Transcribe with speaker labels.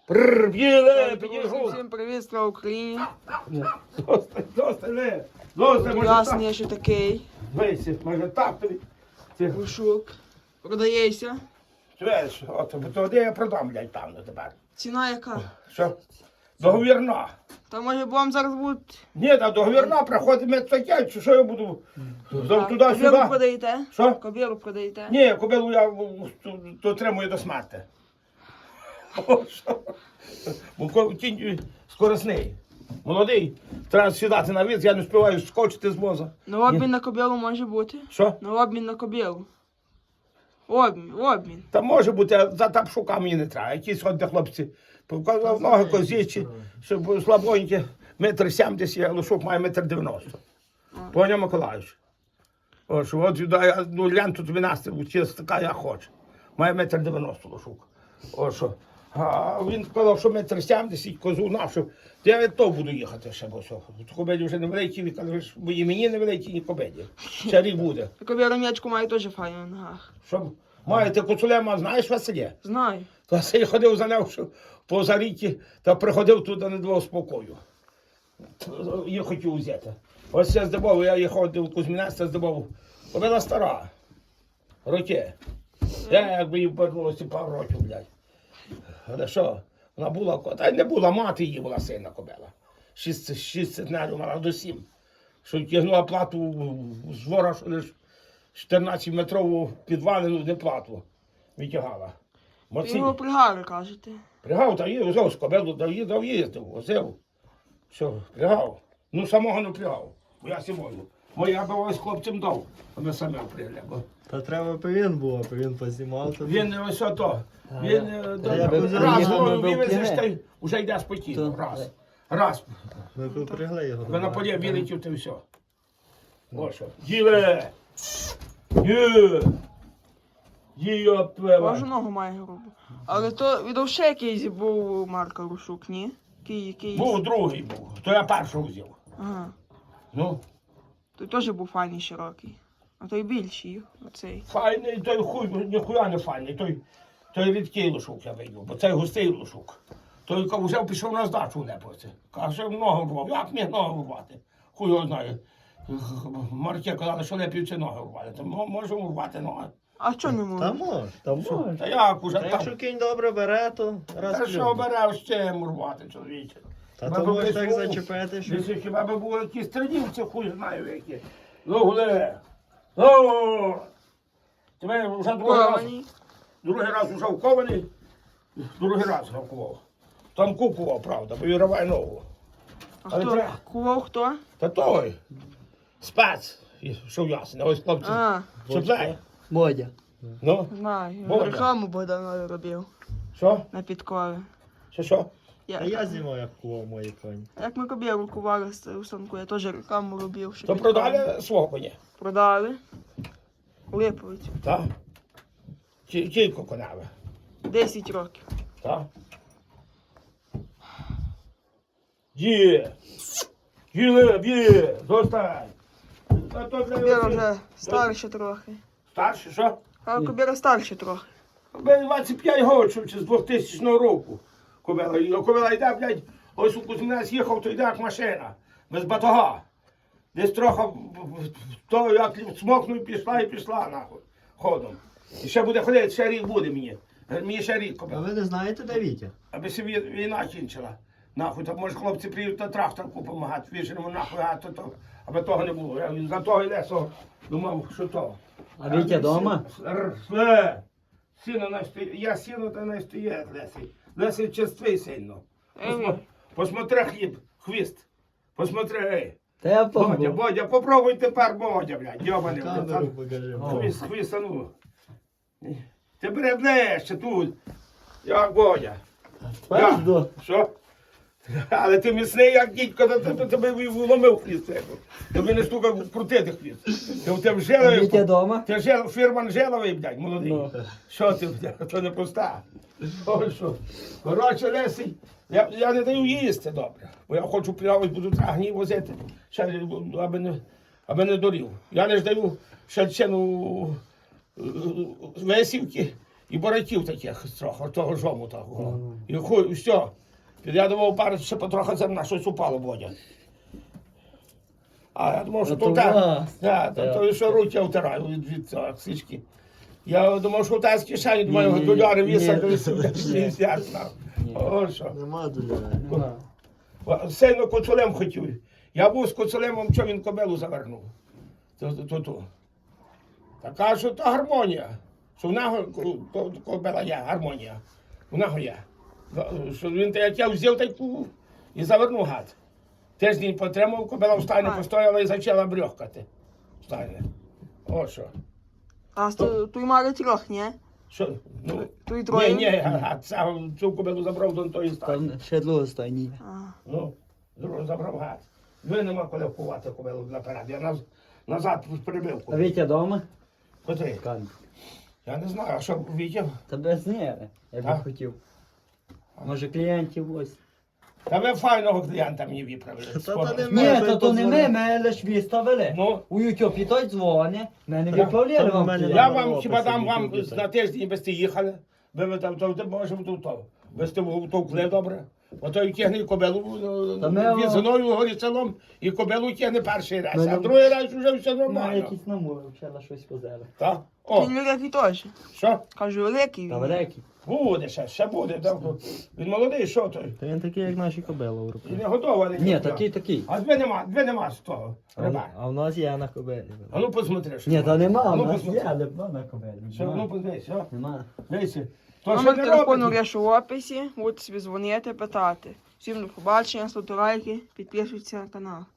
Speaker 1: Б'їли, підійшов.
Speaker 2: Всім привіт, слава Україні.
Speaker 1: Досить,
Speaker 2: Ясний я ще такий.
Speaker 1: Дивися, може так тобі.
Speaker 2: Грушок. Продається.
Speaker 1: Чуєш, от, тоді я продам, блядь, певно, тепер.
Speaker 2: Ціна яка?
Speaker 1: Що? Договірна.
Speaker 2: Та може вам зараз будуть...
Speaker 1: Ні, та договірна, приходить медстаття, що я буду
Speaker 2: Кобілу
Speaker 1: туди-сюди.
Speaker 2: продаєте?
Speaker 1: Що?
Speaker 2: Кобілу продаєте?
Speaker 1: Ні, кобилу я дотримую до смерти. О, що? Бо кінь скоросний. Молодий, треба сідати на віз, я не співаю скочити з воза.
Speaker 2: На обмін на кобілу може бути?
Speaker 1: Що?
Speaker 2: На обмін на кобілу. Обмін.
Speaker 1: Та може бути, а за тапшука мені не треба. Якісь ходять хлопці, показав ноги козічі, щоб слабонькі, 1,70 м, а лошок має 1,90 м. Поняв, Миколаївич? О, що от я, ну, ленту тобі настрій, чисто така я хочу. Має 1,90 м лошок. О, що? А він сказав, що 1,70 м, козу нашу. Я від того буду їхати ще, бо що. Кобеді вже невеликі, він каже, бо і мені невеликі, ні кобеді. Ще рік буде.
Speaker 2: Кобіла м'ячку має теж файно на ногах.
Speaker 1: Що? Маєте куцулема, знаєш Василя?
Speaker 2: Знаю.
Speaker 1: То Василь ходив за ним по заріті, та приходив туди не давав спокою. Я хотів взяти. Ось я здобув, я їхав до Кузьмінецька, здобув. Кобила стара. Роки. Я якби їй повернулося пару років, блядь. Але що? Вона була, та й не була, мати її була сильна кобила. 6 центнерів мала до 7. Що тягнула плату з двора, що лиш 14-метрову підвалину, не плату витягала.
Speaker 2: Ви його пригари, кажете.
Speaker 1: Пригав, та їздив, з кобилу дав їздив, возив. Все, пригав. Ну, самого не пригав, бо я сьогодні. Бо я би ось хлопцям дав, а ми самі пригли.
Speaker 3: Та треба повинен був, а він познімав тобі.
Speaker 1: Він ось ото, він
Speaker 3: я би
Speaker 1: раз
Speaker 3: приїхав, ми
Speaker 1: вивезеш,
Speaker 3: б
Speaker 1: та й вже йде спокійно, раз.
Speaker 3: Ми попрягли його.
Speaker 1: Ви на полі вилетів, та й все. Ось що. Діле! Є! Є, пева!
Speaker 2: Кожу ногу має грубу. Але то від ще якийсь був Марка Рушук, ні? Якийсь.
Speaker 1: Був другий був, то я першого взяв.
Speaker 2: Ага.
Speaker 1: Ну,
Speaker 2: Той теж був файний широкий. А той більший, оцей.
Speaker 1: файний, той хуй, ніхуя не файний, той рідкий лошук я вийду, бо цей густий лошук. Той вже пішов на здачу лепоці. Каже, ногу рвав. Як міг ногу рвати? Хуй його знає. Марки казали, що лепівці ноги рвали. То можемо рвати ноги.
Speaker 2: А що не
Speaker 3: Та
Speaker 2: може?
Speaker 3: може, та може.
Speaker 1: Та як уже
Speaker 3: Та
Speaker 1: там?
Speaker 3: якщо кінь добре бере, то раз
Speaker 1: Та що
Speaker 3: плюнь.
Speaker 1: бере ще рвати, чоловіче?
Speaker 3: Та то можеш так зачепити, що...
Speaker 1: Десь хіба би були якісь тренівці, хуй знаю які. Ну, гуле. Ну, тебе вже
Speaker 2: Кований.
Speaker 1: другий раз вже вкований, другий раз вкував. Там кукував, правда, бо віриває ногу.
Speaker 2: А
Speaker 1: Але
Speaker 2: хто?
Speaker 1: треба.
Speaker 2: Кував хто?
Speaker 1: Та той, спец, що ясно, ось хлопці,
Speaker 2: А,
Speaker 1: чіпляє.
Speaker 3: Бодя.
Speaker 1: Ну,
Speaker 2: знаю.
Speaker 1: Бога.
Speaker 2: Рекламу Богданові робив
Speaker 1: що?
Speaker 2: на підкові.
Speaker 1: Що?
Speaker 3: А я знімав, як кував мої коні.
Speaker 2: Як ми кобілу кували у станку, я теж рекламу робив. що
Speaker 1: То
Speaker 2: підкови.
Speaker 1: продали свого коня,
Speaker 2: Продали. Липовець.
Speaker 1: так? Кілько коняви,
Speaker 2: 10 років.
Speaker 1: так? Є, є, достань. Та то для
Speaker 2: Кобіла
Speaker 1: оцих-
Speaker 2: вже старша трохи.
Speaker 1: Старший, що?
Speaker 2: А кобіла старша трохи.
Speaker 1: Кобила 25 років, чи з 2000 року. Кобила йде, блядь, ось у Кузьмінець їхав, то йде як машина, без батога. Десь трохи, то як смокнув, пішла і пішла, нахуй, ходом. І ще буде ходити, ще рік буде мені. Мені ще рік
Speaker 3: А
Speaker 1: кобила.
Speaker 3: ви не знаєте, де Вітя?
Speaker 1: Аби собі війна кінчила. Нахуй, так може хлопці приїдуть на тракторку допомагати, віженому нахуй, аби того не було. Я за того й лесо думав, що то.
Speaker 3: А Вітя дома?
Speaker 1: Сіно не стоїть, я сіно та не стоїть, Лесий. Лесий черствий сильно. Посмотри хліб, хвіст. Посмотри, ей.
Speaker 3: Та я
Speaker 1: Бодя, попробуй тепер, Бодя, блядь, йобаний.
Speaker 3: Камеру покажи.
Speaker 1: Хвіст, а ну. Ти бери ближче тут. Як Бодя.
Speaker 3: Пизду.
Speaker 1: Що? Але ти міцний, як дідько, то тебе вломив хвіст. Тобі не стукав крутити хвіст. Ти в тебе жиловий.
Speaker 3: Вітя дома?
Speaker 1: Ти фірман жиловий, блядь, молодий. Що ти, блядь, то не пуста. Ой, що. Коротше, Лесий, я не даю їсти добре. Бо я хочу плавати, буду трагні возити, ще, аби не дорів. Я не ж даю ще ціну весівки І боратів таких трохи, того жому того. І хуй, все. Я думав, пару ще потрохи зерна щось упало, Бодя. А я думав, що
Speaker 3: Ото
Speaker 1: то так.
Speaker 3: вас.
Speaker 1: Так, то що руки я втираю від цього сички. Я думав, що та з кишені, думаю,
Speaker 3: Ні,
Speaker 1: доляри
Speaker 3: ні,
Speaker 1: висадили,
Speaker 3: ні.
Speaker 1: ясно. О, що.
Speaker 3: Нема доляра.
Speaker 1: Нема. Сильно коцулем хотів. Я був з коцулемом, що він кобилу завернув. То. Така, що то гармонія. Що в нього то кобила є, гармонія. В нього є. Що він як я взяв таку і завернув гад. Тиждень потримав, кобила в стайні постояла і почала брьохкати. Стайне. О що.
Speaker 2: А той мали трьох, ні?
Speaker 1: Що? Ну,
Speaker 2: Той троє?
Speaker 1: ні, гад, цю кобилу забрав до тої стайні.
Speaker 3: Там ще друга стайні.
Speaker 2: А.
Speaker 1: Ну, забрав гад. Ви нема коли вкувати кобилу наперед. Я назад прибив.
Speaker 3: А Вітя вдома?
Speaker 1: Котрий?
Speaker 3: Кан.
Speaker 1: Я не знаю, а що Вітя?
Speaker 3: Та без нерви, я
Speaker 1: А?
Speaker 3: б хотів. Може клієнтів ось.
Speaker 1: Та ви файного клієнта мені виправили. Скоро.
Speaker 3: Ні, то не ми лиш виставили.
Speaker 1: Ну.
Speaker 3: У Ютубі той дзвони, мене
Speaker 1: Так.
Speaker 3: відправляли
Speaker 4: Там
Speaker 3: вам
Speaker 4: у мене
Speaker 3: клієнт.
Speaker 1: Я
Speaker 4: Номер
Speaker 1: вам
Speaker 4: опису
Speaker 1: хіба дам вам
Speaker 4: YouTube,
Speaker 1: на тиждень, без ти їхали, ви там, то можемо то. Без ти втовкли добре. Ото і тягне кобилу
Speaker 3: Та ми-
Speaker 1: візиною горі селом, і кобилу тягне перший раз,
Speaker 3: Ми-
Speaker 1: а другий раз вже все
Speaker 3: Ну,
Speaker 1: нормально.
Speaker 3: якісь намови, взяла щось позели.
Speaker 1: Так? О,
Speaker 2: Він великий теж.
Speaker 1: що?
Speaker 2: Кажу, великий
Speaker 3: Та
Speaker 2: він.
Speaker 3: великий.
Speaker 1: Буде ще буде. Так. Він молодий, що той?
Speaker 4: Та він такий, як наші кобили у
Speaker 1: І
Speaker 4: руку.
Speaker 1: не готовий.
Speaker 3: Ні, такий.
Speaker 1: А дві нема з того. Риба.
Speaker 4: А в нас є на кобилі.
Speaker 1: А ну посмотри, що.
Speaker 3: Ні, та нема,
Speaker 1: А
Speaker 3: у
Speaker 1: ну
Speaker 3: нас
Speaker 1: посмотри.
Speaker 3: є, але на кобелі.
Speaker 1: Що, ну подивись, що?
Speaker 3: Нема.
Speaker 1: Дивися. То що
Speaker 2: Номер
Speaker 1: не
Speaker 2: телефону
Speaker 1: робить?
Speaker 2: решу в описі, будете собі дзвонити, питати. Всім до побачення, ставте лайки, підписуйтесь на канал.